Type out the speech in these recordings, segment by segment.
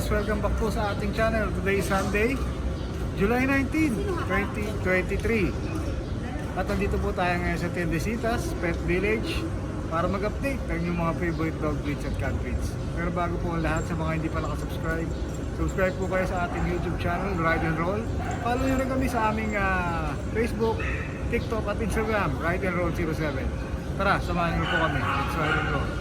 boss, welcome back po sa ating channel. Today is Sunday, July 19, 2023. At nandito po tayo ngayon sa Tiendesitas, Pet Village para mag-update ng inyong mga favorite dog breeds at cat breeds. Pero bago po ang lahat, sa mga hindi pa nakasubscribe, subscribe po kayo sa ating YouTube channel, Ride and Roll. Follow nyo rin kami sa aming Facebook, TikTok at Instagram, Ride and Roll 07. Tara, samahan nyo po kami. Let's ride and roll.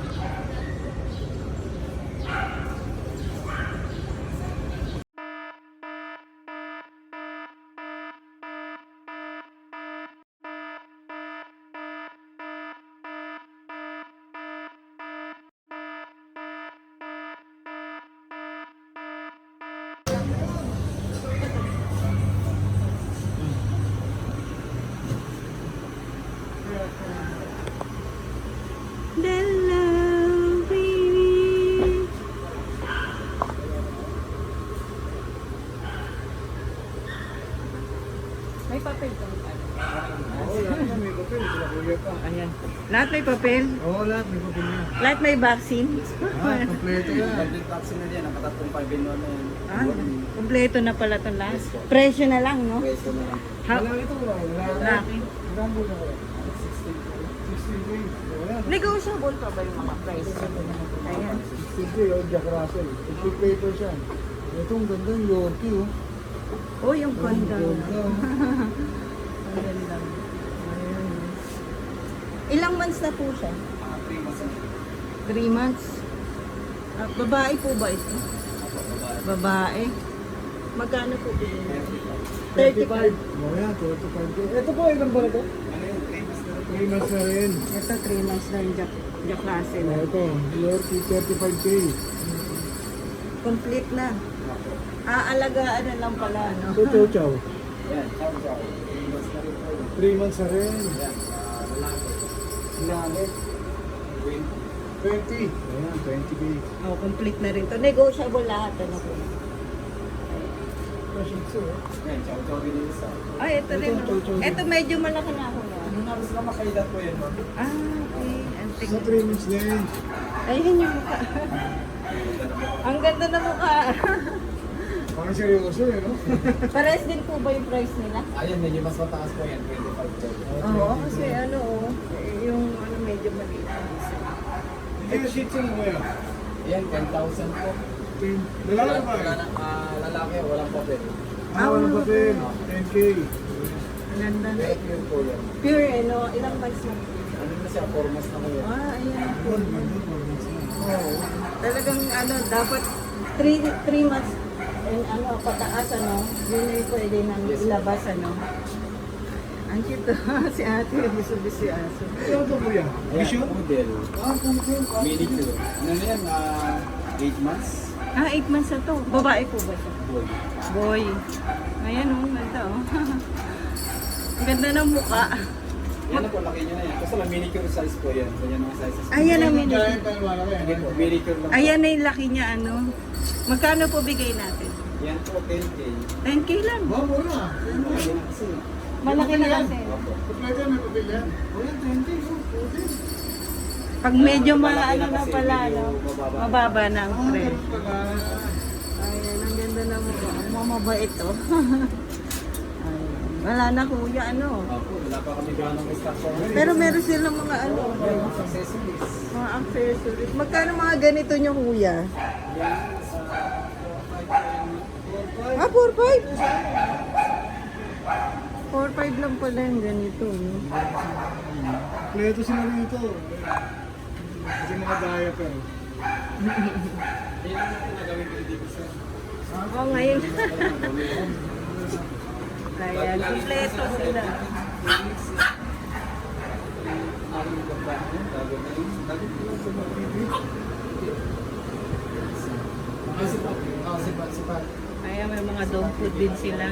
Hello, baby. May papel ka? Oo, lahat na may papel. Sila kuya pa. Ayan. Lahat may papel? Oo, lahat may papel na. Lahat may vaccine? Kompleto yan. Complete vaccine na yan, nakatatlong 5 in 1 na yan. Ah, kompleto na pala itong lahat. Presyo na lang, no? Pwesto na lang. Wala ito, wala. Laki. Ilang bulan ko? 16 days. Wala. Negotiable pa ba yung mga price? Ayan. 16 days, oh, Jack Russell. Complete paper siya. Itong ganda, Yorkie, oh. Oh, yung condo. Ang ganda. Ang ganda. Ayan. Ilang months na po siya? 3 months na. 3 months. Babae po ba ito? Babae. Magkano po bilhin? 35. Oh, yan, 35K. Ito po, ilang ba ito? Ano yun? 3 months na rin. 3 months na rin. Ito 3 months na yung Jack Russell. Oh, ito, Yorkie, 35K. Complete na. Aalagaan na lang pala, no? Ito, chow chow. Yan, chow chow. 3 months na rin po yun. 3 months na rin. Yan, lalaki. Lalaki. 20. 20. Ayan, 20K. Oh, complete na rin to. Negotiable lahat, ano po. Shih Tzu, oh. Yan, chow chow din yung isa. Ay, ito rin. Ito medyo malaki na ako na. Ano na rin sila makailan po yan, ma'am? Ah, okay. Antik. Sa 3 months din. Ayun yung mukha. Ang ganda na mukha. Parang seryoso, eh, no? Pares din po ba yung price nila? Ayun, medyo mas mataas po yan, 25 po. Oo, kasi ano, yung ano medyo maliit. Ito yung Shih Tzu mo kaya? Yan, 10,000 po. Lalaki ba? Lalaki, walang papel. Walang papel. 10K. Ang ganda na. Pure po yan. Pure, ano, ilang months na? Ano na siya, 4 months na po yan. Ah, ayan. Good, good, good. Oo. Talagang ano, dapat 3 months and ano, pataas ano, yun ay pwede nang ilabas ano. Ang cute si ate, biso-biso yung aso. Ito ito, kuya. Ayan, Vision? model. Pumpkin. Minicure. Ano na yan, 8 months. Ah, 8 months na to. Babae po ba siya? Boy. Boy. Ayan oh, ganda oh. Ang ganda ng mukha. Yan po, laki nyo na yan. Kasi lang minicure size po yan. So yan ang sizes. Ayan ang mini. Giant and malaki. Again po, minicure lang po. Ayan na yung laki niya ano. Magkano po bigay natin? Yan po, 10K. 10k lang. Wow, mura. Yan na kasi. Malaki na kasi. Kompleto, may papel yan. O yan, 20. Pwede. Pag medyo Malaki ano na kasi, pala, medyo no? mababa. Mababa na ang Ah, presyo. ganun pala. Ayan, ang ganda na mukha. Ang mamabait to. Ayan. Wala na kuya, ano. Opo, wala pa kami ganong stock po. Pero meron silang mga ano, Yan, mga accessories. mga accessories. Magkano mga ganito nyo kuya? Yan, sa Ah, 4-5? 4-5 lang pala yung ganito. No? Kompleto sila rito. Kasi mga diaper. yan ang nagawin ko dito sa Oo, ngayon. Ayan, kompleto sila. aking ganda. Bago na yun. Bago ko lang sa mga sipat. Ayan, may mga dog food din sila.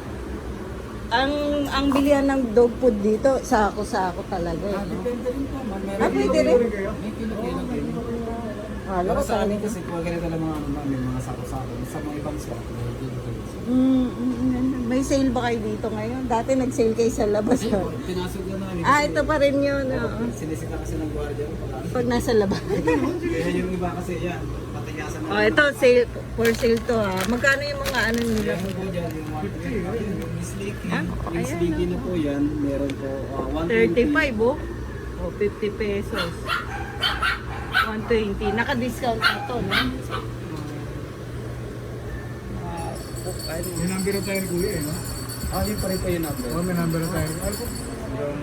Ang bilihan ng dog food dito, sako-sako talaga. Eh, no? Depende rin po. Ah, pwede rin? May kilo-kilo din. Alam Pero ko sa amin talaga. kasi kung ganito lang mga ano namin, mga sako-sako. Sa mga ibang spot, may kilo-kilo. May sale ba kayo dito ngayon? Dati nag-sale kayo sa labas. Ay, Ha? pinasok na namin. Ah, ito pa rin yun. Oo. Sinisita kasi ng gwardiya. Pag nasa labas. Kaya yung iba kasi yan, patigasan na Oh, ito, sale, for sale to ha. Magkano yung mga ano nila? Meron po dyan yung mga Miss Licky. Ah, Miss ayan, Licky na po yan. Meron po 120. 35 oh. O, 50 pesos. 120. Naka-discount na to, no? May number na tayo ni Kuya eh, no? Yun pa rin po yung number. Oh, may number na tayo. Ano po? Yung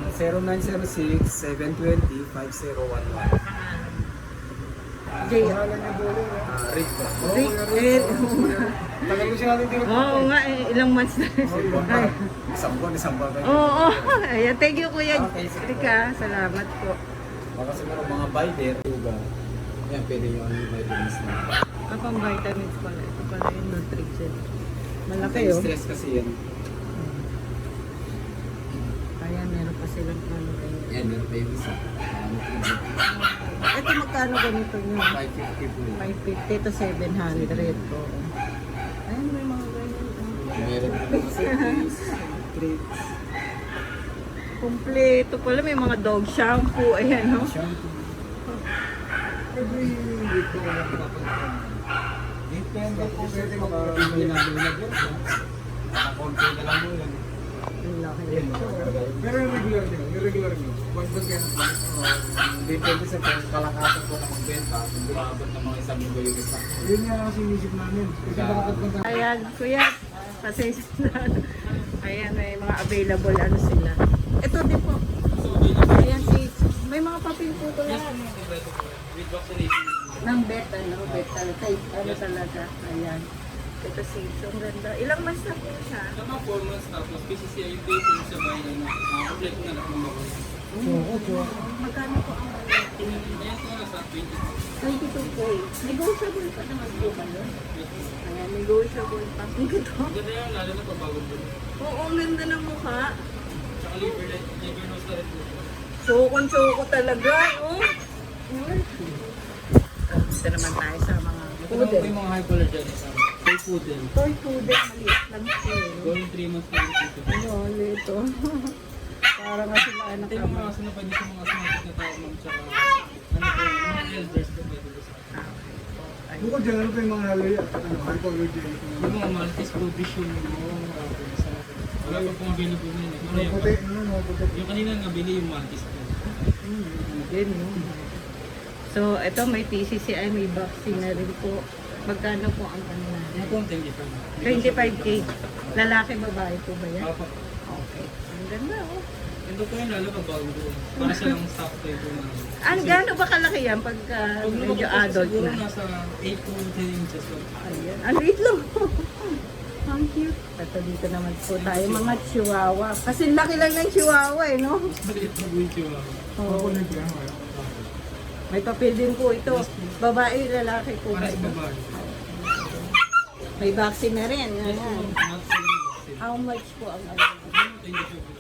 0906-720-5011. Jay, Pangalan niya Bolo, no? Rick po. Rick, eh, Tagal ko siya natin din. oo nga, eh, ilang months na. Ay, Isang buwan kayo. oo, ayan, thank you kuya. Okay, sige. Rika, salamat po. Baka siguro mga binder, tuga. Yan, pwede yung may vitamins na. Pang vitamins pala. Ito pala yung nutrition. Malaki oh. Stress kasi yan. Ayan, meron pa silang ano. Yan, meron pa yung isa. Ito magkano ganito nyo? 550 po. 550 to 700 po. Ayan, may mga ganyan. Meron pa yung service, treats, Kompleto pala, may mga dog shampoo. Ayan, no? shampoo. Every week ko lang pinapunta. Depende po pwede makakabili na doon. Nakakonti na lang mo yan. Ang laki. Pero yung regular nyo. Buwan-buwan kayo ng plan. Depende sa kalakasan po ng magbenta. Kung bumaabot ng mga isang linggo yung isa. Yun nga kasi inisip namin. Kasi baka pagpunta. Ayan, kuya. Pasensya na. Ayan, may mga available ano sila. Ito din po. Ayan, may mga papel po ito lahat. With vaccination. Ng bet, bet talaga. Ano talaga. Ayan. Ito si ang ganda. Ilang months na po siya? Sa mga 4 months tapos PCCI yung date yung sabay na complete na lahat ng mga Magkano po ang Ayan po nasa 20. 22K. Negotiable pa naman po ba yun? Ayan, negotiable pa. Ang ganda. Ganda yan, lalo na pagbago po. Oo, ang ganda ng mukha. Tsaka liver nose na rin po. Sukon-suko talaga, oh. Gusto naman tayo sa mga Ito lang po poodle. yung mga high color dyan. Toy poodle. Toy poodle, maliit lang po. Going 3 months na rin po. Ano, lito. Para nga sila anak Ito yung mga aso na pwede sa mga asthmatic na tao ma'am. Tsaka ano po, yung mga elders po pwede po sa akin. Bukod dyan, ano pa yung mga halaya? Ano, hypoallergy. Yung mga Maltese po, vision, yung mga sa akin. Wala pa pong available ngayon. Pero Mga yung, puti, ano, mga puti. yung kanina nabili yung Maltese po. Din, no? So, ito may PCCI, may vaccine na rin po. Magkano po ang ano na? Yung po ang 25. 25K. Lalaki, babae po ba yan? Apa. Okay. Ang ganda, oh. Ito po yung lalo pagbago po. Para silang stock tayo po na. Ang gaano ba kalaki yan pagka Pag medyo lumaki po, adult siguro na? nasa 8 to 10 inches lang. Ayan. Ang liit lang. Ang cute. Ito dito naman po tayo, mga chihuahua. Kasi laki lang ng chihuahua eh, no? Maliit na po yung chihuahua. Oo. Hypoallergy, ano kaya? May papel din po ito. Babae, lalaki po ba Para sa ito? babae. May vaccine na rin. Yes po, Ayan. not selling vaccine. How much po ang ano? Thank you po.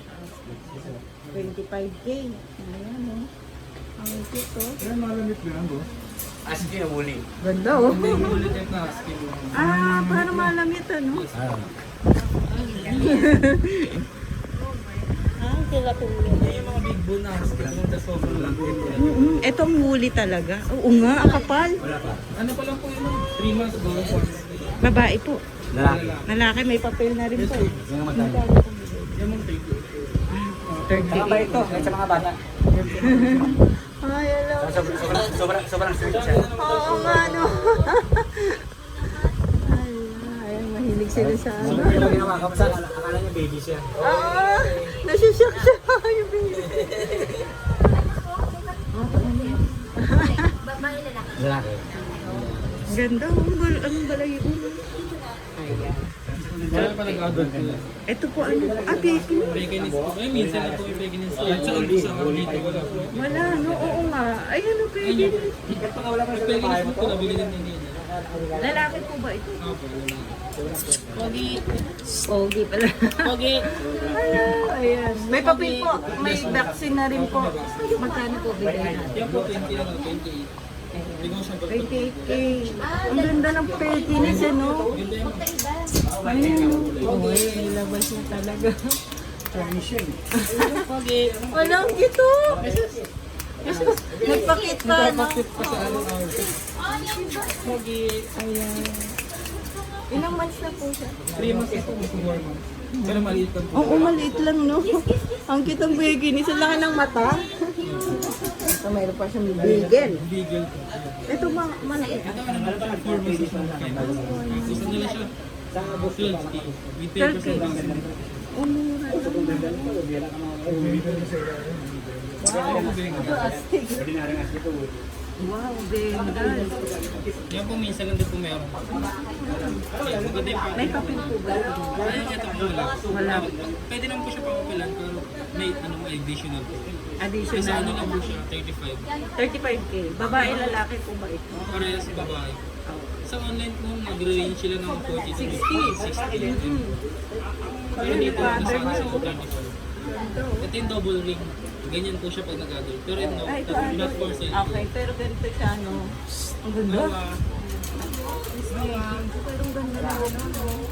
25K. Ayan, oh. Ang cute, oh. Kaya malamit na yan, bro. As in, huli. Ganda, oh. Hindi yung ulit yung na skin. Ah, para malamit, ano? Ah, sila po. Hindi yung mga big bone na skin. Yung the soft lang. Itong huli talaga. Oo nga, ang kapal. Ano pa lang po yun? 3 months ago. Babae po. Lalaki. Lalaki, may papel na rin po. Yung matay. Yung mga 30. 30. ito, sa mga bata. Ay, hello. Sobrang strict siya. Oo nga, no. Ay, mahilig sila sa ano. Sobrang ginawa ka sa akala niya baby siya. Oo, nasishock siya. Yung baby. Lalaki. Ang ganda, anong balay yun? Ayan. Kaya pa nag-adult po. Ito po, ano? Ah, baby. Veganist po. Ay, minsan na po yung veganist. At saka po sa dito wala po. Wala, no? Oo nga. Ay, ano, baby? Yung veganist po nabili din ni Nina. Lalaki po ba ito? Opo, Pogi. Pogi pala. Pogi. Ayan. May papel po. May vaccine na rin po. Magkano po bigay natin? Yan po 20 ano, 28. Negotiable. 28K. Ang ganda ng pettiness, ano? Ayan. Uy, nilabas na talaga. Pogi. Walang gito. Nagpakit pa, no? Nagpapakit pa sa ano outfit. Ayan. Ilang months na po siya? 3 months ito, 4 months. Pero maliit lang po. Oo, maliit lang, no? Ang kitang bigin. Isa lang ng mata. Ito, mayroon pa siyang bigel. Bigel po. Ito, maliit. Ito ano na siya, 4 months is na kayo. Gusto nila siya. 12K. With 10% discount. Umura. Wow, bengal. Yan po minsan lang din po meron. Okay, maganda yung May papel po ba? Ay, ito po wala. Wala. Pwede naman po siya papapilan pero may additional po. Kasi Additional. ano lang po siya, 35. 35K. Babae, lalaki po ba ito? Parehas sa babae. Sa online po, nagre-range sila ng 40 to 60. Pero dito, nasa ano sa 35. Ito yung double ring. Ganyan po siya pag nag-adult. Pero no, Ay, ito, not for sale. Okay, pero ganito siya, no? Ang ganda. Nawa, Pero ang ganda na, no?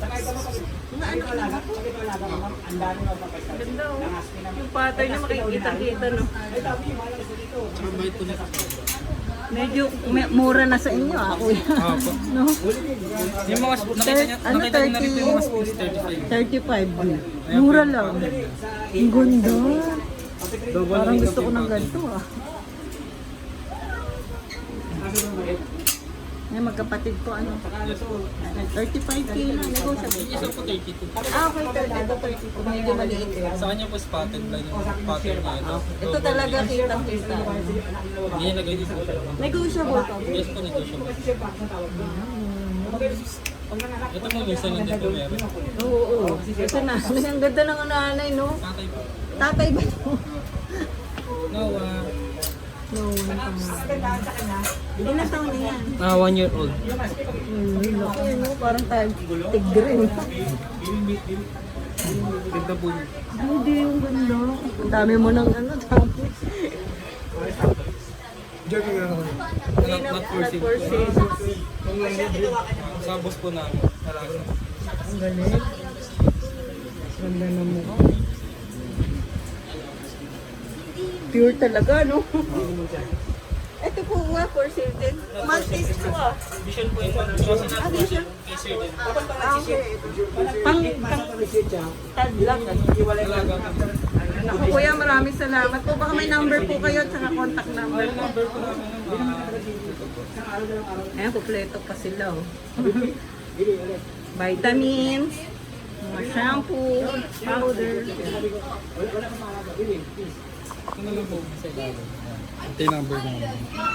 Ganda, oh. Yung pattern na makikita-kita, no? tsaka bait po nito. Medyo mura na sa inyo, ako yan. Opo. No? Yung mga, nakita niyo na rin po yung mga sports 35. 35. Mura lang. Ang ganda. Parang gusto ko ng ganito, ah. May magkapatid ko, ano? 35K na, negotiable. Yung isa po 32. Ah, okay, 32. Medyo maliit eh. Sa kanya po spotted line yung pattern niya. Ito talaga kitang-kita. Hindi niya lagay dito. Negotiable to. Yes po negotiable. Ito po minsan lang din po meron. Oo. Ito na. Ang ganda ng nanay, no? Tatay po. Tatay ba ito? No, No, ilang taon na yan? 1 year old. Laki, no? Parang tayo tigrin. Ganda po niya. Hindi yung ganda. Ang dami mo ng ano, dami. Joke lang ako. Not for sale. For sale. Sa boss po namin. Talaga. Ang galing. Ganda na mo. Pure talaga, no? Ito po nga, for sale din. Maltese po, ah. Vision po yung kasi Ah, vision? Kaiser din. Ah, okay. Tadlak. Talaga. Ako, kuya, maraming salamat po. Baka may number po kayo at saka contact number. Number po namin. Ayan, kumpleto pa sila, oh. Vitamins, mga shampoo, powder. Ito na lang po sa ilalim. Ito yung number namin.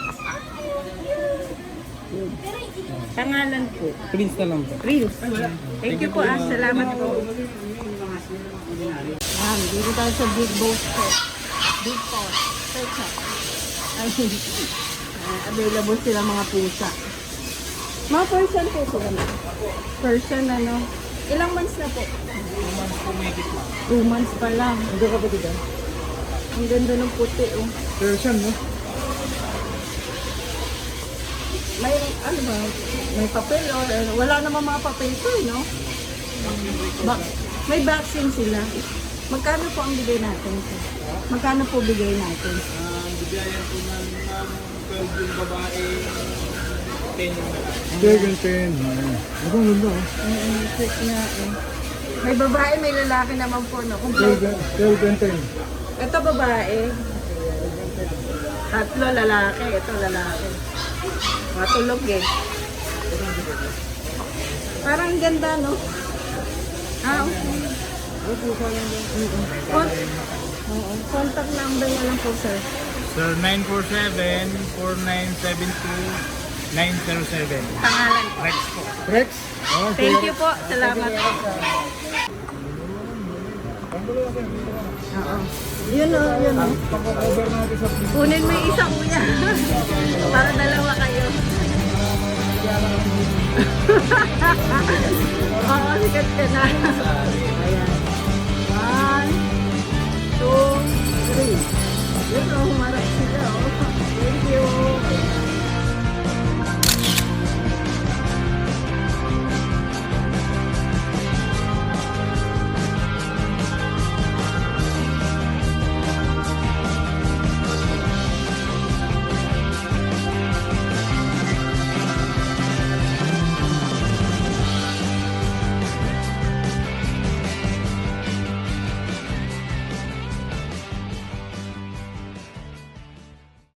Pangalan po. Prince na lang po. Prince. Thank you po, ah. Salamat po. Dito tayo sa Big Boss Pet. Big Boss Pet Shop. Ay, available sila mga pusa. Mga person po sila na. Person, ano. Ilang months na po? 2 months pa lang. Hindi ka ba dito? Ang ganda ng puti, oh. Persian, no? May, ano ba? May papel, or wala namang mga papel ko, no? May vaccine sila. Magkano po ang bigay natin? Magkano po bigay natin? Bigayan po ng 12 yung babae, 10 yung lalaki. 12 and 10. Ako, ang ganda, oh. Check na, eh. May babae, may lalaki naman po, no? 12 and 10. Ito babae. Tatlo lalaki. Ito lalaki. Matulog eh. Parang ganda, no? Ah, okay. Oo. Contact number na lang po, sir. Sir, 947-4972-907. Pangalan po. Rex po. Rex? Oh, Thank you po. Salamat po. Oo. Yun o, yun o. Kunin mo yung isa, kuya. Para dalawa kayo. Oo, sikat ka na.